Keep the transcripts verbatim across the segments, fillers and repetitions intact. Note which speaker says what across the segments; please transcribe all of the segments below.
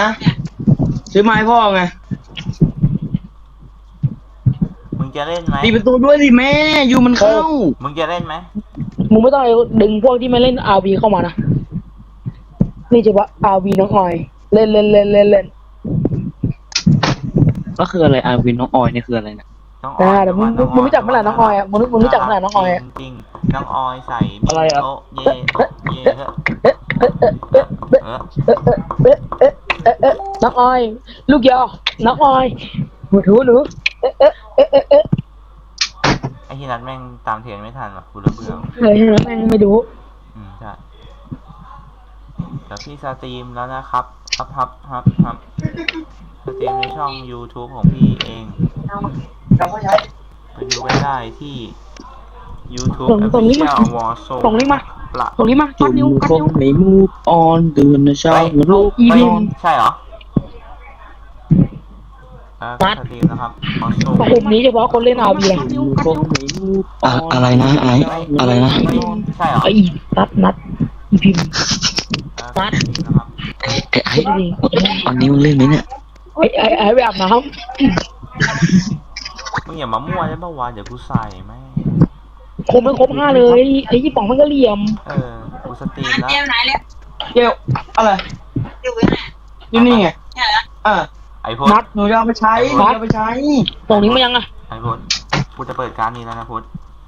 Speaker 1: ซื้อไม้พ่อไง
Speaker 2: มึงจะเล่นไหม
Speaker 1: ปิดประตูด้วยสิแม่ยูมันเข้า
Speaker 2: มึงจะเล่นไหม
Speaker 3: มึงไม่ต้องดึงพวกที่มาเล่น อาร์ วี เข้ามานะนี่เฉพาะ อาร์ วี น้องออยเล่นเล่นเล่นเล่นเล่น
Speaker 1: ก็คืออะไรอาวินน้องออยนี่คืออะไรเนี่ย
Speaker 2: น้องออย
Speaker 3: แต่มึงมึงรู้จักเมื่อไหร่น้องออยอ่ะมึงมึงรู้จักเมื่อไหร่น้องออยอ่ะ
Speaker 2: จริงน้องออยใส่
Speaker 1: อะไรอ่ะ
Speaker 2: โอเย่โอเย่เฮ้อ
Speaker 3: น้องออยลูกยอน้องออยหนูหนูเอ๊ะเอ๊ะเอ๊ะเอ๊ะ
Speaker 2: ไอ้ที่นัดแม่งตามเทรนไม่ทันว่ะกูเริ่มเบื่อ
Speaker 3: เฮ้ยแม่งไม่ดู
Speaker 2: อืมใช่เดี๋ยวพี่สตรีมแล้วนะครับฮับฮับฮับฮับสตรีมในช่อง YouTube ของพี่เองไปดูกันได้ที่ YouTube
Speaker 3: ส่งลิงก์มาส่งลิงก์มาส่งลิงก์มากัดนิ้วกัดนิ้ว
Speaker 1: ไม่มูฟออนเดือนนะเช้าลูก
Speaker 3: อีวิน
Speaker 2: ใช่เหรอนัดสตรีมนะครับ
Speaker 3: กลุ่มนี้เฉพาะคนเล่น อาร์ วี
Speaker 1: อะไรนะไออะไรนะ
Speaker 2: ใช่เหรอ
Speaker 3: ไอ้นัดนัดอีพิมนัด
Speaker 1: ไอ้ไอ้ไอ้ตอนนี้มึงเล่นไหมเนี่ย
Speaker 3: ไอ้ไอ้ไอ้ไปอาบน้
Speaker 2: ำมึงอย่ามามั่วได้ป่าววะเดี๋ยวกูใส่แม่
Speaker 3: คมไม่ครบห้าเลยไอ้ยี่ป๋องมันก็เหลี่ยม
Speaker 2: เออกูสตรีมแล้ว
Speaker 4: เดี๋ยวไหนแล้ว
Speaker 1: เดี๋ยวอะไร
Speaker 4: อยู่ไหน
Speaker 1: อยู่นี่ไงอ่า
Speaker 2: ไอพด
Speaker 1: นัดหนูจะเอาไปใช้หนูจะเอาไปใช้
Speaker 3: ตรงนี้มันยังอ่ะ
Speaker 2: ไอพดกูจะเปิดการนี้แล้วนะพด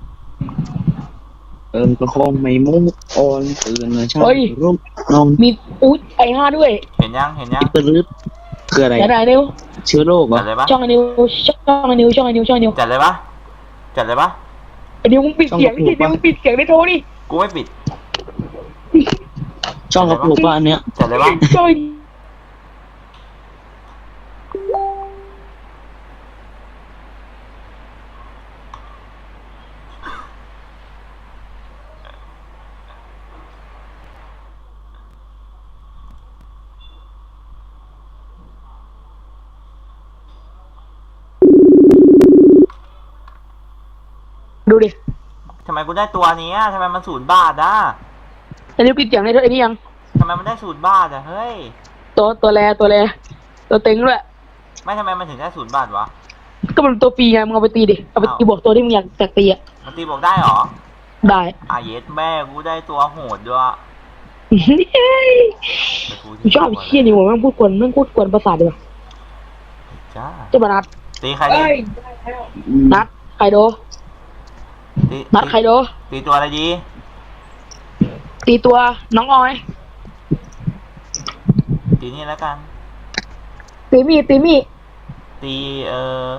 Speaker 1: เออก็คงไม่มุกออนตื่นเลยใช่รูปน้อง
Speaker 3: มีอุ๊ยไอห้าด้วย
Speaker 2: เห็นยังเห็นยัง
Speaker 1: ปื้ดคืออะไร
Speaker 3: ไหนนิ้ว
Speaker 1: เชื้อโรคเหรอ
Speaker 3: ช่องไอนิ้วช่องไอนิ้วช่องไอนิ้วช่องไอนิ้ว
Speaker 2: จัดเลยปะจัดเลยปะ
Speaker 3: ไอนิ้วมึงปิดเสียงดินิ้วมึงปิดเสียงได้โทรดิ
Speaker 2: กูไม่ปิด
Speaker 1: ช่องกระปุกบ้านเนี้ย
Speaker 2: จัดเลยปะ
Speaker 3: ช่องดูดิ
Speaker 2: ทำไมกูได้ตัวนี้ทำไมมันศูนย์บาทอ่ะ
Speaker 3: ไอ้นิ้วปิดเสียงได้ด้วยไอ้นี่ยัง
Speaker 2: ทำไมมันได้ศูนย์บาทอ่ะเฮ้ย
Speaker 3: ตัวตัวแรตัวแรตัวเต็งด้วย
Speaker 2: ไม่ทำไมมันถึงได้ศูนย์บาทวะ
Speaker 3: ก็มันตัวฟรีไงมึงเอาไปตีดิเอาไปตีบวกตัวที่มึงอยากอยากตีอ่ะ
Speaker 2: มันตีบวกได้หรอ
Speaker 3: ได้
Speaker 2: อ่ะเย็ดแม่กูได้ตัวโหดด้วย
Speaker 3: กูชอบเชี่ยนี่หัวแม่งพูดกวนแม่งพูดกวนประสาทเลย
Speaker 2: จ้า
Speaker 3: เจ้าบนัด
Speaker 2: ตีใครดี
Speaker 3: นัดใครโดนัดใครโด
Speaker 2: ตีตัวอะไรดี
Speaker 3: ตีตัวน้องออย
Speaker 2: ตีนี่แล้วกัน
Speaker 3: ตีมีตีมี
Speaker 2: ตีเออ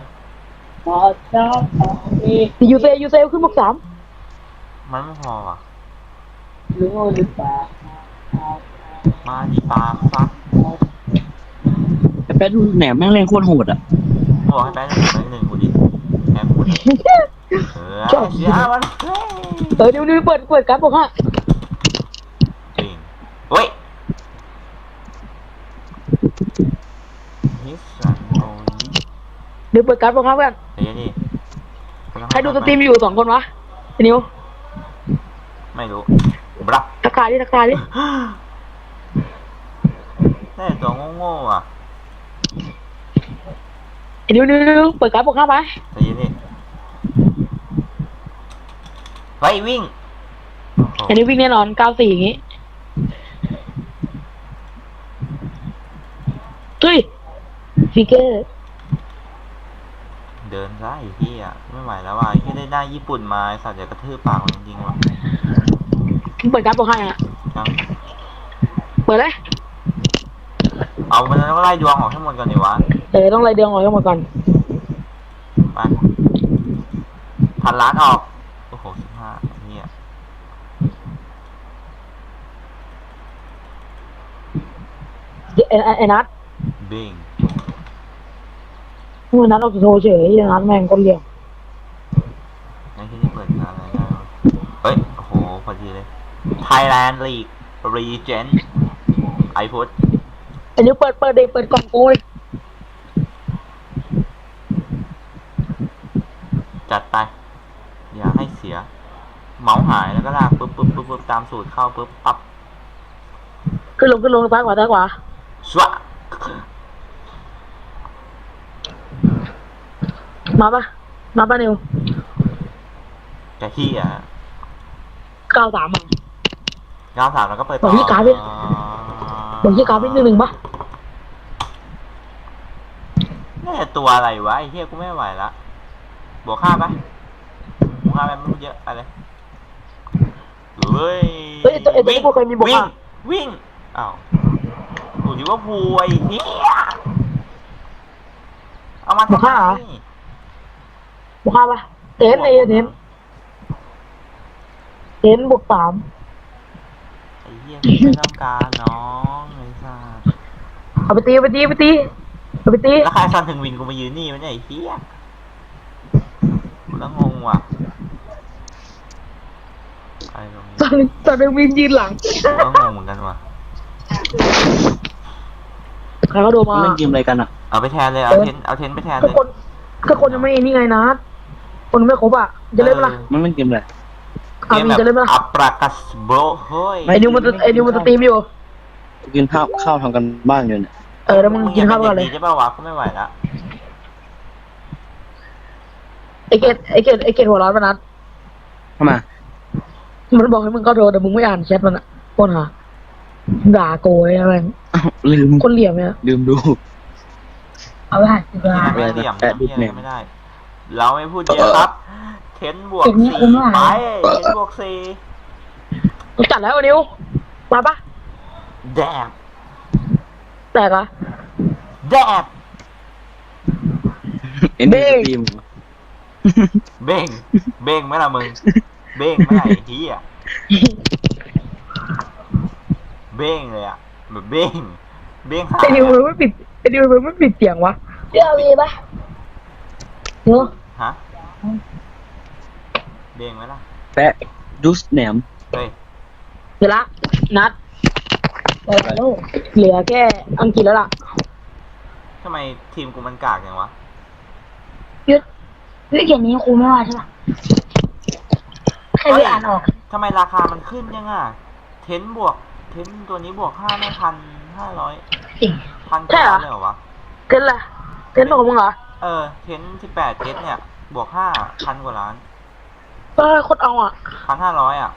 Speaker 3: ตียูเซยูเซขึ้นบวกสาม
Speaker 2: มันไม่พอว่ะ
Speaker 3: รู้หรือเปล่า
Speaker 2: มาดีปากซัก
Speaker 1: ไอ้แป๊ดดูแหนมแม่งเล่นโคตรโหดอ่ะ
Speaker 2: บอกให้แป๊ดหนึ่งแป๊ดหนึ่งกูดิแป๊ดกูเออเสียมัน
Speaker 3: เออเดี๋ยวเปิดเปิดการ์ดบอกฮะ
Speaker 2: จริงเฮ้ย
Speaker 3: เดี๋ยวเปิดการ์ดบอกฮะเพื่อนใครดูสตรีมอยู่สองคนวะนิว
Speaker 2: ไม่รู้บลับ
Speaker 3: ทักทายดิทักทายดิ
Speaker 2: แต่ตัวโง่ๆอ่ะ
Speaker 3: นิวนิวเปิดการ์ดบอกฮะไป
Speaker 2: ใจเย็นดิไปวิ่ง
Speaker 3: อันนี้วิ่งแน่นอนเก้าสี่อย่างงี้เฮ้ยฟิกเกอร์
Speaker 2: เดินได้ที่อ่ะไม่ไหวแล้วว่ะที่ได้ได้ญี่ปุ่นมาสัตว์จะกระทืบปากมันจริงๆว่ะ
Speaker 3: เปิดการ์ดบอกให้อ่ะเปิดเลย
Speaker 2: เอามันต้องไล่ดวงออกให้หมดก่อนดิวะ
Speaker 3: เออต้องไล่ดวงออกให้หมดก่อน
Speaker 2: ไปพันล้านออกโอ้โหสิบห้าเนี่ย
Speaker 3: ไอ้ไอ้นัท
Speaker 2: บิง
Speaker 3: เมื่อนัทเราจะโทรเฉยไอ้นัทแม่งก็เรียก
Speaker 2: ไอ้ที่นี่เปิดงานอะไรได้เฮ้ยโอ้โหพอดีเลย Thailand League Regent ไอพุทธ
Speaker 3: ไอ้นิ้วเปิดเปิดเด็กเปิดกล่องโอ้ย
Speaker 2: จัดไปอย่าให้เสียเมาส์หายแล้วก็ลากปึ๊บปึ๊บปึ๊บปึ๊บตามสูตรเข้าปึ๊บปั๊บ
Speaker 3: ขึ้นลงขึ้นลงซ้ายขวาซ้ายขวา
Speaker 2: สวะ
Speaker 3: มาปะมาปะนิว
Speaker 2: แกขี้อ่ะ
Speaker 3: เก้าสามอ่ะ
Speaker 2: เก้าสามแล้วก็เปิด
Speaker 3: บอกพี่กราฟดิ บอกยี่กราฟนิดนึงหนึ่งปะ
Speaker 2: นี่ตัวอะไรวะไอ้เหี้ยกูไม่ไหวละบวกห้าปะบวกห้าไปไม่รู้เยอะไปเลยเฮ้ย
Speaker 3: เฮ้ยตัวเอ็ดตัวนี้กูเคยมีบอก
Speaker 2: วิ่ง
Speaker 3: ว่า
Speaker 2: วิ่งอ้าวดูดิว่าพูไอ้เหี้ยเอามาทำไม
Speaker 3: บอกห้าปะเทนเอเทนเทนบวกสาม
Speaker 2: ไอ้เหี้ยกูไม่ต้องการน้องไอ้สัส
Speaker 3: เอาไปตีเอาไปตีเอาไปตีเอาไปตี
Speaker 2: แล้วใครซันถึงวินกูมายืนนี่มันเนี่ยไอ้เหี้ยกูแล้วงงว่ะไอ้ตรงนี้
Speaker 3: ตอนตอนเดวินยืนหลัง
Speaker 2: กูก็งงเหมือนกันว่ะ
Speaker 3: ใครเขาโดนมา
Speaker 1: เล่นเกมอะไรกันอ่ะ
Speaker 2: เอาไปแทนเลยเอาเทนเอาเทนไปแทน
Speaker 3: ก็
Speaker 2: เลย
Speaker 3: คนก็คนยังไม่นี่ไงนะคนไม่ครบอ่ะจะเล่นปะล่ะ
Speaker 1: มันเล่นเกมอะไร
Speaker 3: อาวีจะเล่นปะล่ะ
Speaker 2: อัปรากัสโบรเฮ้ย
Speaker 3: ไอ้นิวมันจะไอ้นิวมันจะตีมอยู่
Speaker 1: กินข้าวข้าวทำกันบ้านอยู่เนี่ย
Speaker 3: เออแล้วมึงกินข้าวก่อนเลย
Speaker 2: ใช่ป่าววะกูไม่ไหวละ
Speaker 3: ไอเกตไอเกตไอเกตหัวร้อนปะนัด
Speaker 1: เข้ามา
Speaker 3: มันบอกให้มึงเข้าโทรแต่มึงไม่อ่านแชทมันอ่ะคนหาด่าโกยอะไร
Speaker 1: อ้าวลืม
Speaker 3: คนเหลี่ยมเนี่ย
Speaker 1: ลืมดู
Speaker 3: เอาไปสิบล้าน
Speaker 2: ไม่เหลี่ยม
Speaker 1: แปะดู
Speaker 2: เหี้ย
Speaker 1: แหม่
Speaker 2: อะไรไม่ได้ เราไม่พูดเยอะครับเทนบวกสี่ไปเทนบวกสี่
Speaker 3: มึงจัดแล้วนิวมาปะ
Speaker 2: แดบ
Speaker 3: แตกอ่ะ
Speaker 2: แดบ
Speaker 1: เอ็น
Speaker 3: เบ้
Speaker 1: ดี
Speaker 3: ง
Speaker 1: ทีม
Speaker 2: เบ้งเบ้งไหมล่ะมึงเบ้งไหมล่ะไอ้เหี้ยเบ้งเลยอ่ะแบบเบ้งเบ้งหา
Speaker 3: ไอนิวมันไม่ปิดไอนิวมันไม่ปิดเสียงวะเรื่องมีปะเนาะ
Speaker 2: ฮะเบ้งไหมล่ะ
Speaker 1: แปะดูสแหนม
Speaker 2: เฮ้ย
Speaker 3: เดี๋ยวละนัดเหลือแค่อังกฤษแล้วล่ะ
Speaker 2: ทำไมทีมกูมันกากอย่างวะ
Speaker 3: ยึดเฮ้ยเขียนนี้ครูไม่ว่าใช่ปะใครไม่อ่านออก
Speaker 2: ทำไมราคามันขึ้นยังอ่ะเทนบวกเทนตัวนี้บวกห้าไม่พันห้าร้อย
Speaker 3: จริง
Speaker 2: พัน
Speaker 3: ใช่
Speaker 2: เก้า
Speaker 3: เหรอ
Speaker 2: เลยเหรอวะ
Speaker 3: เทนละเทนบอกมึงเหรอ
Speaker 2: เออเทนสิบแปดเทสเนี่ย บวกห้าพันกว่าล้าน
Speaker 3: เออโคตรเอาอ่ะ
Speaker 2: พันห้าร้อยอ่ะ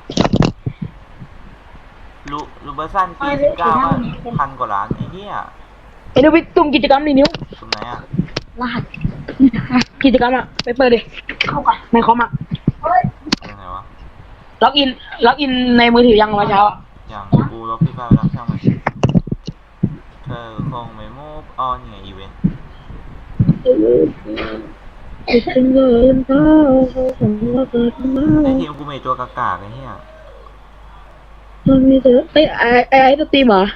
Speaker 2: ลูลูเบอร์สันปีสิบเก้าก็พันกว่าล้านไอ้เหี้ย
Speaker 3: ไอ้นิวไปตุ่มกิจกรรมนี่นิ้ว
Speaker 2: ตรงไหนอ่ะ
Speaker 3: รหัสกิจกรรมอ่ะไปเปิดดิเข้ากันในคอมอ่ะ
Speaker 2: ตรงไหนวะ
Speaker 3: ล็อกอินล็อกอินในมือถือยังมาเช้าอ่ะ
Speaker 2: อย่างกูลบพี่ฟ้าไปแล้วช่างมันเธอคงไม่ move on ไงอีเวนต์ไอทีมกูมีตัวกากาไอ้เหี้ย
Speaker 3: มันมีเธอไอ้ไอ้ไอ้ไอ้ตัวตีมเหรอ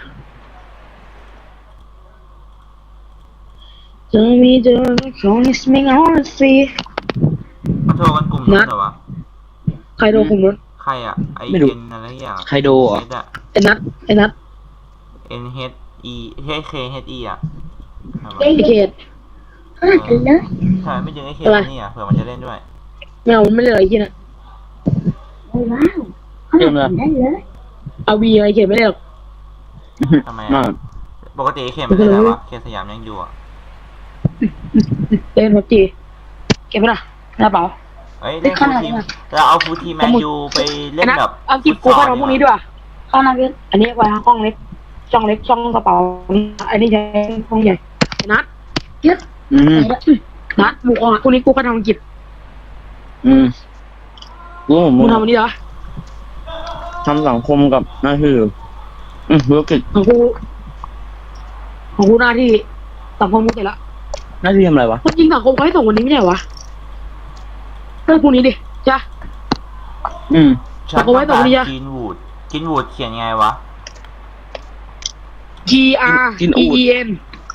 Speaker 3: จะมีเธอของนิสมิงออนซี
Speaker 2: มาโทรกันกลุ่มนู้นเหรอวะ
Speaker 3: ใครโดนกลุ่มนู้น
Speaker 2: ใครอ่ะไอเอ็นอะไรอย่าง
Speaker 1: ไคโดเหรอ
Speaker 2: เอสอ่ะ
Speaker 3: ไอ้นัทไอ้นัท
Speaker 2: N H E ใช่ K H E อ่ะทำไม
Speaker 3: ไอ้เขต
Speaker 2: เออใช่ไม่ดึงไอ้เคนี่อ่ะเผื่อมันจะเล่นด้วย
Speaker 3: ไม่เอามันไม่เลยไอ้ที่น่ะ
Speaker 1: เกมอะไร
Speaker 3: เอาวีไอ้เขตไม่ได้หรอก
Speaker 2: ทำไม
Speaker 1: น่า
Speaker 2: อ่ะปกติไอ้เคมันเล่นอะไรวะเคสยามยังอยู่อ่ะ
Speaker 3: เล่นพับจีเก็บไปละหน้าเปล่า
Speaker 2: เฮ้ยเล่นฟูลทีมเราเอาฟูลทีมแมนยูไปเล่นแบบ
Speaker 3: เอากิบกูเข้าทำพวกนี้ด้วยเข้านาเวทอันนี้ไว้ห้องเล็กช่องเล็กช่องกระเป๋าอันนี้ใช้ห้องใหญ่นัดยึด
Speaker 1: อืม
Speaker 3: นัดหมูอ่ะพวกนี้กูเข้าทำอังกฤษ
Speaker 1: อืมกูผม
Speaker 3: มึงทำอันนี้เหรอ
Speaker 1: ทำสังคมกับหน้าที่อืมธุรกิจ
Speaker 3: ของกูของกูหน้าที่สังคมกูเสร็จละ
Speaker 1: หน้าที่ทำอะไรวะ
Speaker 3: คนจริงสังคมเขาให้ส่งวันนี้ไม่ใช่วะเรื่องพวกนี้ดิจ้ะ
Speaker 1: อืม
Speaker 2: ฉันต้องการกินวูดกินวูดเขียนไงวะ
Speaker 3: G R E E N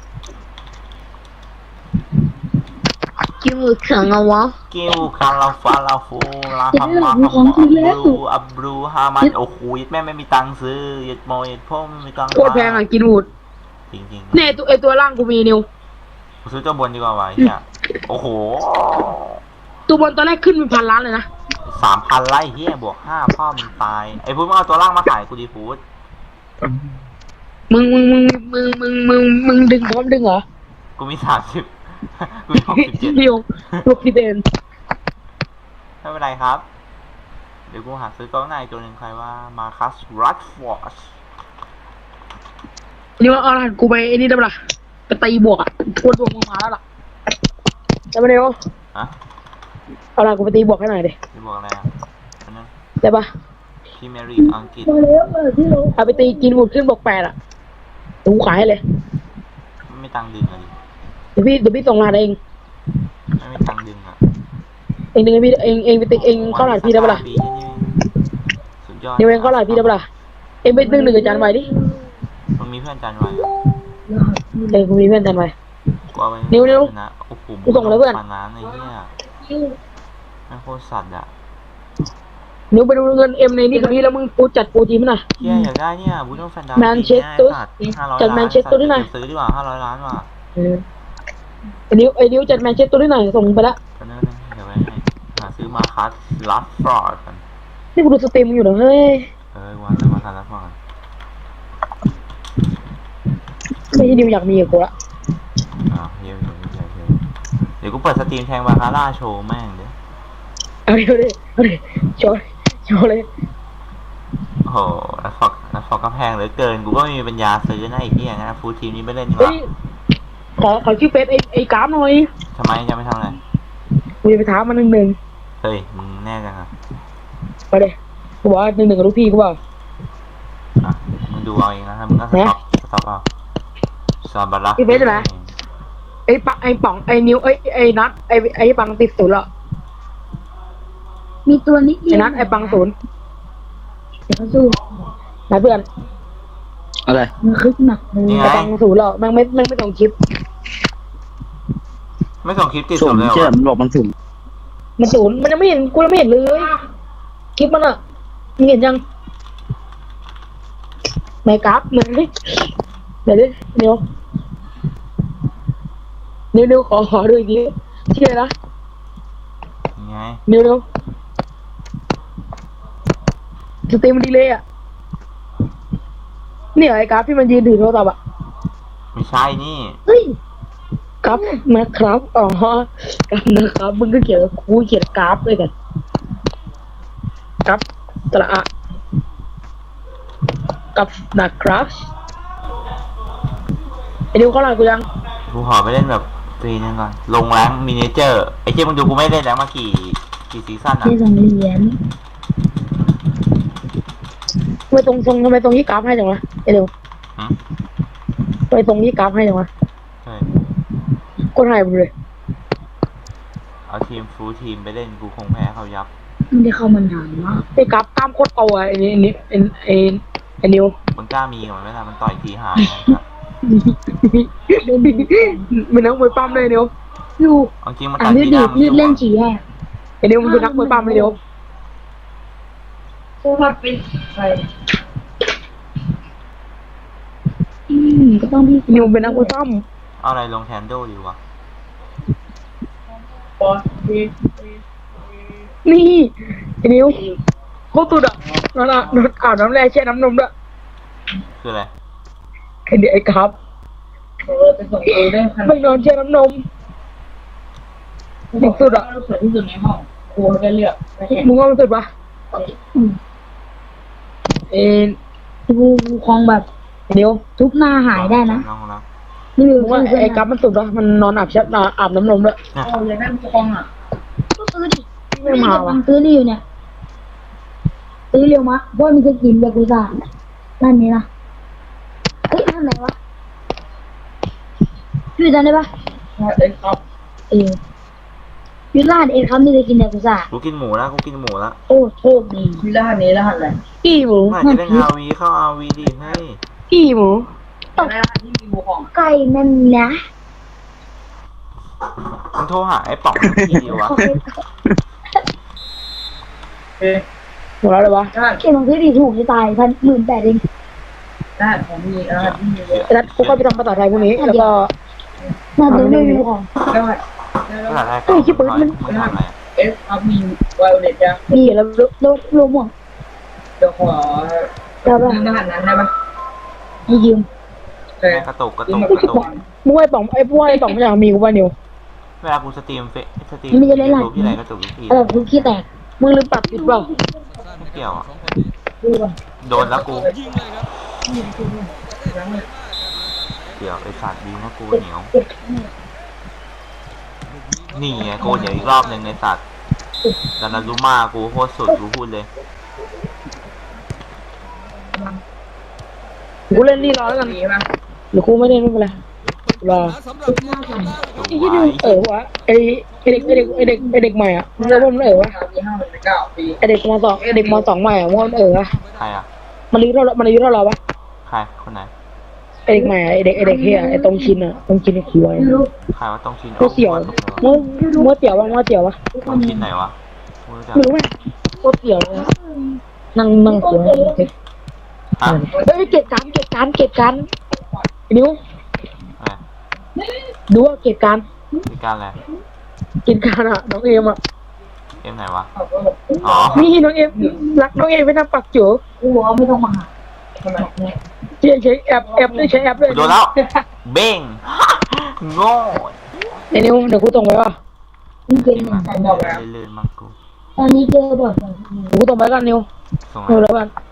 Speaker 3: กินมือแข็งอะวะ
Speaker 2: กิวคาราฟาลาฟูลาฮัมมาฮัมมาอับรูอับรูฮามันโอ้โหแม่ไม่มีตังค์ซื้อยัดโมยัดพ่อไม่มีตังค์
Speaker 3: โคตรแพงอ่ะกินวูด
Speaker 2: จริง
Speaker 3: เนี่ยตัวไอตัวล่างกูมีนิว
Speaker 2: ๆซื้อเจ้าบนดีกว่าวะเนี่ยโอ้โห
Speaker 3: ตัวบนตอนแรกขึ้นเป็นพันล้านเลยนะ
Speaker 2: สามพันไล่เฮียบวกห้าพ่อมึงตายไอ้พูดมึงเอาตัวล่างมาขายกูดีฟูด
Speaker 3: มึงมึงมึงมึงมึงมึงมึงดึงพร้อมดึงเหรอ
Speaker 2: กูมีสามสิบกูมีหกสิบเจ็ด
Speaker 3: เดียวหกสิบเอ็ด
Speaker 2: ไม่เป็นไรครับ เดี๋ยวกูหาซื้อกล้องหน้าอีกตัวหนึ่งใครว่ามาคัสรัดฟอร์ด
Speaker 3: นี่ว่าเอาล่ะกูไปไอ้นี่ได้ปะล่ะไปตีบวกอ่ะทวนบวกมึงมาแล้วล่ะได้ปะเดียว
Speaker 2: อะ
Speaker 3: เอาล่ะกูไปตีบวกให้หน่อยดิ
Speaker 2: จะบอกอะไรอ่ะอันนั้น
Speaker 3: ได้ปะ
Speaker 2: พรีเมียร์ลีกอังกฤษ
Speaker 3: เอาไปตีกินบุดขึ้นบวกแปดอ่ะเดี๋ยวกูขายให้เลย
Speaker 2: ไม่ตังค์ดึงเลย
Speaker 3: เดี๋ยวพี่เดี๋ยวพี่ส่งรหัสเอง
Speaker 2: ไม่มีตังค์ดึงอ่ะ
Speaker 3: เองดึงให้พี่เองเองไปติ๊กเองเข้ารหัสพี่ได้ปะล่ะ
Speaker 2: ปีนี่สุดยอด
Speaker 3: เดี๋ยวเองเข้ารหัสพี่ได้ปะล่ะเองไปดึงหนึ่งกับจานไว้ดิ
Speaker 2: มันมีเพื่อนจันไว้อะ
Speaker 3: เองกูมีเพื่อนจานไว้
Speaker 2: กูเอาไว้
Speaker 3: นิ้วนิ้ว
Speaker 2: นะโอ้โห
Speaker 3: กูส่งแล้วเพื่อน
Speaker 2: ปาน้ำไอ้เหี้ยไม่งโคตรสัตว์อ่ะ
Speaker 3: นิ้วไปดูเงินเอ็มในนี่กับพี่แล้วมึงกูจัดโปรจีมหน่อย
Speaker 2: เหี้ยอยากได้เนี่ยบูโน่แฟนดา
Speaker 3: แมนเชสเตอร์
Speaker 2: ห้าร้อย
Speaker 3: จาก
Speaker 2: ล้าน
Speaker 3: แมนเชสเตอร์ด้วยนะ
Speaker 2: ซื้อดีกว่าห้าร้อยล้านว่ะ
Speaker 3: เออไอ้นิ้วไอ้นิ้วจัดแมนเชสเตอร์ด้วยหน่อยส่งไปละ
Speaker 2: ก็นั่นนะเดี๋ยวไว้ให้หาซื้อมาคัสลัดฟอร์ดกัน
Speaker 3: นี่กูดูสตรีมมึงอยู่เหรอเฮ้ย
Speaker 2: เออวันซื้อมาคัสลัดฟอร์ด
Speaker 3: ไม่ใช่นิ้วอยากมีกับกูละ
Speaker 2: อ่าเยี่ยมเยี่ยมเยี่ยมเยี่ยมเดี๋ยวกูเปิดสตรีมแทงบาคาร่าโชว์แม่งเดี๋ยว
Speaker 3: เอาดิเอาดิเอาดิโชว์โชว์เลย
Speaker 2: โอ้โหแล้วฟอกแล้วฟอกก็แพงเหลือเกินกูก็ไม่มีปัญญาซื้อนะไอ้ที่อย่างนั้นฟูลทีมนี้ไม่เล่นดีก
Speaker 3: เฮ้
Speaker 2: ว่าย
Speaker 3: ขอขอชื่อเฟซไอ้ไอ้กราฟหน่อย
Speaker 2: ทำไมจะไม่ทำอะไร
Speaker 3: กูจะไปถามมันหนึ่งหนึ่ง
Speaker 2: เฮ้ยมึงแน่จังอ่ะ
Speaker 3: ไปเลยกูบอกว่าหนึ่งหนึ่งกับลูกพี่กูเปล่า
Speaker 2: อ่ะมึงดูเอาเองนะครับมึงก็สต็อกสต็อกเอาซาบาระ
Speaker 3: พี่เฟซอยู่ไหนไอ้ปังไอ้ป๋องไอ้นิ้วไอ้ไอ้นัทไอ้ไอ้ปังติดศูนย์ละ
Speaker 4: มีตัวนิดเดี
Speaker 3: ไอ้
Speaker 4: ยว
Speaker 3: นัทไอ้ปังศูนย์
Speaker 4: เดี๋ยวเขาสู้
Speaker 3: นะเพื่อน
Speaker 1: อะไร
Speaker 4: มันคึกหนักเลย
Speaker 2: นี่ไง
Speaker 3: ไอ้ปังศูนย์หรอแม่งไม่แม่งไม่ส่งคลิป
Speaker 2: ไม่ส่งคลิปติด
Speaker 1: สุ่
Speaker 2: ส
Speaker 1: ม
Speaker 2: มเลยเหร
Speaker 1: เชื่อ
Speaker 2: อ
Speaker 1: มันบอกมันสุ่ม
Speaker 3: มันศูนย์มันยังไม่เห็นกูยังไม่เห็นเลยคลิปมันอะมึงเห็นยังไหนกราฟหนึ่งดิเดี๋ยวดิเดี๋ยวเดี๋ยวเดี๋ยวขอขอดูอีกทีเชื่อนะ
Speaker 2: ยังไง
Speaker 3: เดี๋ยวเดี๋ยวสตรีมมันดีเลยอ่ะเนี่ยไอ้กราฟที่มันยืนถือโทรศัพท์อ่ะ
Speaker 2: ไม่ใช่นี่
Speaker 4: เฮ้ย
Speaker 3: กราฟนะครับอ๋อกราฟนะครับมึงก็เขียนกูเขียนกราฟด้วยกันกราฟตระอะกราฟนะครับไอ้ดิวเข้าหลังกูยัง
Speaker 2: กูขอไปเล่นแบบฟรีนึงก่อน ลงแรงมินิเจอร์ไอ้เจ้มึงดูกูไม่เล่นแล้วมากี่กี่ซีซั่นอ่ะ
Speaker 4: ได้สองเหรียญ
Speaker 3: ทำไมตรงทรงทำไมตรงที่กราฟให้จังวะไอ้ดิว
Speaker 2: หืม
Speaker 3: ทำไมตรงที่กราฟให้จังวะ
Speaker 2: ใช่
Speaker 3: คนหายไปเลย
Speaker 2: เอาทีมฟูลทีมไปเล่นกูคงแพ้เขายับ
Speaker 4: ไม่ได้เข้ามานานมาก
Speaker 3: ไอ้กราฟกล้ามโคตรโตอ่ะไอ้นี่ไอ้นี่ไอ้ไอ้ไอ้นิว
Speaker 2: มันกล้ามีกับมันไหมล่ะมันต่อยทีหายนะ
Speaker 3: มันนักมวยปั้มเลยนิว
Speaker 4: อยู่
Speaker 2: เอาจริงมัน
Speaker 4: อ่า
Speaker 2: ต่อย
Speaker 4: นยื
Speaker 2: ที
Speaker 4: ด
Speaker 2: ห
Speaker 4: ดี
Speaker 2: น้า
Speaker 4: ด
Speaker 2: มัน
Speaker 4: ยืดเล่น
Speaker 2: อยู่
Speaker 4: ฉี่แห่
Speaker 3: ไอ้นิวมันเป็นนักมวยปั้มเลยนิว
Speaker 4: อืมก็ต้องพี่
Speaker 3: นิวเป็นนักมวยปั้ม
Speaker 2: เอาอะไรลงแทนโดดีวะ
Speaker 3: นี่ไอ้นิวโคตรตุดอ่ะนั่นอ่ะโดนอาบน้ำแร่แช่น้ำนมด้วย
Speaker 2: คืออะไร
Speaker 3: ไอ้เด็กไอ้ครับไม่นอนแช่น้ำนมเด็กสุดอ่ะ
Speaker 5: สวยที่สุดในห้องครูได้เลือกไม่ใช่
Speaker 3: มึงว่ามันสุดปะเอ็น
Speaker 4: กูคลองแบบ
Speaker 3: ไอ้นิว
Speaker 4: ทุบหน้าหายได้นะ
Speaker 2: น้องรัก
Speaker 4: นี่คือ
Speaker 3: มึงว่าไอ้กับมันสุดปะมันนอนอาบแช่นอนอาบน้ำนมด้วย
Speaker 2: นะ
Speaker 5: โอ้ยนั่นคองอ่ะ
Speaker 4: ก็ซื้อดิ
Speaker 3: ไม่มา
Speaker 4: ตั
Speaker 3: วะ
Speaker 4: งค์ซื้อนี่อยู่เนี่ยซื้อเร็วมะเพราะมันจะกินยากุซ่านั่นนี่นะเฮ้ยนั่นไหนวะชื่อจำได้ปะ
Speaker 5: เอ็นครับ
Speaker 4: เออยูราดเองครับนี่จะกินยากุซ่า
Speaker 2: กูกินหมูแล้วกูกินหมูแล้ว
Speaker 4: โอ้โชคดี
Speaker 5: มีรหัสนี้รหัสอะไร
Speaker 3: กี่หมู
Speaker 2: เมื่อไหร่จะเล่นอาวีเข้าอาวีดิเฮ้ย
Speaker 3: กี่หมู
Speaker 5: รหัสที่มีบูของ
Speaker 4: ไก่นั่นนะ
Speaker 2: มึงโทรหาไอ้ป๋องทีเดียววะ
Speaker 4: เขาเป็น
Speaker 5: เอ๊ะ
Speaker 3: หมดแล้วเลยวะ
Speaker 5: รหัส
Speaker 4: เก็บของซื้อดีถูกจะตายพันหมื่นแปดเอง
Speaker 5: รหัสของมีรหัสที่มี
Speaker 3: ไอ้นัทกูก็ไปทำภาษาไทยพวกนี้แล้วก็
Speaker 4: น่าจะไม่มีของ
Speaker 5: รหัส
Speaker 2: ภาษาไทยก่อนมึงมึงทำอะไรอะ
Speaker 5: เอฟครับมีไวโอเลตจ้ะ
Speaker 4: มีแล้วรถรถรวมหมด
Speaker 5: เดี๋ยวขอ
Speaker 4: แล้ว
Speaker 5: ร
Speaker 4: ป่ะ
Speaker 5: หัสนั้นได้ปะ
Speaker 4: ให้ยืม
Speaker 5: แต่
Speaker 2: แม่งกระตุกกระตุกกระตุก
Speaker 3: มึงไอ้ป๋องไอ้พวกไอ้ป๋องมันอยากมีกูป่ะนิว
Speaker 2: เวลากูสตรีมเฟซสตรีมยูทูบที่ไหนกระตุกทุกที
Speaker 4: เออกูขี้แตก
Speaker 3: มึงลืมปรับปิดเปล่า
Speaker 2: ไม่เกี่ยวอ่ะ
Speaker 4: ดูก่อน
Speaker 2: โดนแล้วกู
Speaker 6: ยิงเลยครับ
Speaker 2: เดี๋ยวไอสัตว์ดีนะกูเหนียว นี่ไงกูเดี๋ยวอีกรอบหนึ่งในสัตว์ดานารุมากูโคตรสุดกูพูดเลย
Speaker 3: กูเล่นนี่รอแล้วกัน
Speaker 5: ดีป่ะ
Speaker 3: หรือกูไม่เล่นไม่เป็นไรรอ
Speaker 6: สำหรับทางด้าน
Speaker 2: ส
Speaker 3: ไอ้
Speaker 2: ว
Speaker 3: ที่
Speaker 2: ย
Speaker 3: นิวเออวะไอ้ไอ้เด็กไอ้เด็กไอ้เด็กไอ้เด็กใหม่อ่ะมึงรู้ว่ามันเออวะ
Speaker 5: มีห้าเป็นเก้าปี
Speaker 3: ไอ้เด็กมสองไอ้เด็กมสองใหม่อ่ะมันเออวะ
Speaker 2: ใครอ่ะ
Speaker 3: มันอายุเท่ามันอายุเท่าเราปะ
Speaker 2: ใครคนไหน
Speaker 3: ไอ้เด็กใหม่อะไอ้เด็กไอ้เด็กเฮียไอ้ตรงชินอ่ะตรงชินไอ้คิวไอ้
Speaker 2: ใครว่าต้องชิน
Speaker 3: กูเสี่ยวมัวมัวเสี่ยววะมัวเสี่ยววะ
Speaker 2: ต้องชินไหนวะกูรู้จัก
Speaker 3: ไม่รู้ไหมมัวเสี่ยวเลยนั่งนั่งเสี่ยว
Speaker 2: ฮะ
Speaker 3: เฮ้ยเก็บการเก็บการเก็บการนิ้ว
Speaker 2: อะไร
Speaker 3: ดูว่าเก็บการ
Speaker 2: มีการอะไร
Speaker 3: กินการอ่ะน้องเอ็มอ่ะ
Speaker 2: เอ็มไหนวะ
Speaker 5: เขาก็บอก
Speaker 2: อ๋อ
Speaker 3: นี่น้องเอ็มรักน้องเอ็มไปทำปักจิ๋ว
Speaker 4: กูบอกว่าไม่ต้องมาหา
Speaker 5: ทำไม
Speaker 3: ใช้ใช้แอปแอปด้วยใช้แอปด้วย
Speaker 2: โดนแล้ว เบ้ง โง่
Speaker 3: ไอ้นิ้วเดี๋ยวกูส่งไปว่ะ
Speaker 4: มึงเก่งเหมือน
Speaker 2: มั
Speaker 4: กัน น
Speaker 2: ลื่นๆมั้งกู
Speaker 4: ตอนนี้เจอแบบ
Speaker 3: เดี๋ยวกูส่งไปกันนิ้ว
Speaker 2: ส่ง
Speaker 3: เอา
Speaker 2: อะไร
Speaker 3: แล้วกัน